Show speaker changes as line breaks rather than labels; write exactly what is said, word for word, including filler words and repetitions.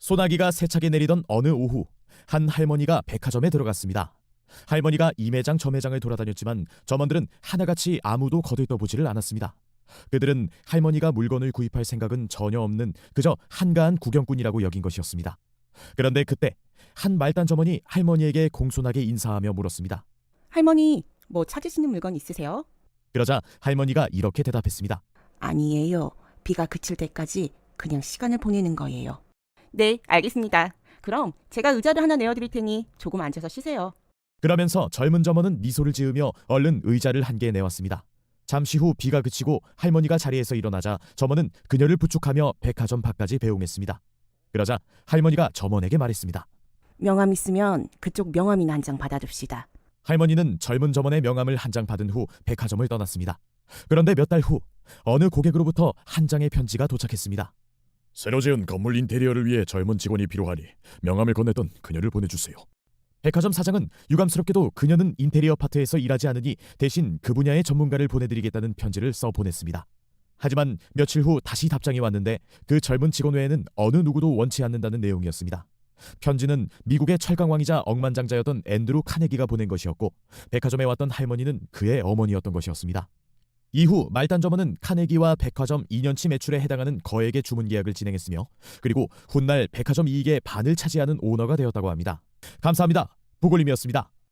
소나기가 세차게 내리던 어느 오후, 한 할머니가 백화점에 들어갔습니다. 할머니가 이 매장 저 매장을 돌아다녔지만 점원들은 하나같이 아무도 거들떠보지를 않았습니다. 그들은 할머니가 물건을 구입할 생각은 전혀 없는 그저 한가한 구경꾼이라고 여긴 것이었습니다. 그런데 그때 한 말단 점원이 할머니에게 공손하게 인사하며 물었습니다.
할머니, 뭐 찾으시는 물건 있으세요?
그러자 할머니가 이렇게 대답했습니다.
아니에요. 비가 그칠 때까지 그냥 시간을 보내는 거예요. 네, 알겠습니다. 그럼 제가 의자를 하나 내어드릴 테니 조금 앉아서 쉬세요.
그러면서 젊은 점원은 미소를 지으며 얼른 의자를 한 개 내왔습니다. 잠시 후 비가 그치고 할머니가 자리에서 일어나자 점원은 그녀를 부축하며 백화점 밖까지 배웅했습니다. 그러자 할머니가 점원에게 말했습니다.
명함 있으면 그쪽 명함이나 한 장 받아줍시다.
할머니는 젊은 점원의 명함을 한 장 받은 후 백화점을 떠났습니다. 그런데 몇 달 후 어느 고객으로부터 한 장의 편지가 도착했습니다.
새로 지은 건물 인테리어를 위해 젊은 직원이 필요하니 명함을 건넸던 그녀를 보내주세요.
백화점 사장은 유감스럽게도 그녀는 인테리어 파트에서 일하지 않으니 대신 그 분야의 전문가를 보내드리겠다는 편지를 써 보냈습니다. 하지만 며칠 후 다시 답장이 왔는데 그 젊은 직원 외에는 어느 누구도 원치 않는다는 내용이었습니다. 편지는 미국의 철강왕이자 억만장자였던 앤드루 카네기가 보낸 것이었고 백화점에 왔던 할머니는 그의 어머니였던 것이었습니다. 이후 말단 점원은 카네기와 백화점 이 년치 매출에 해당하는 거액의 주문 계약을 진행했으며 그리고 훗날 백화점 이익의 반을 차지하는 오너가 되었다고 합니다. 감사합니다. 보골림이었습니다.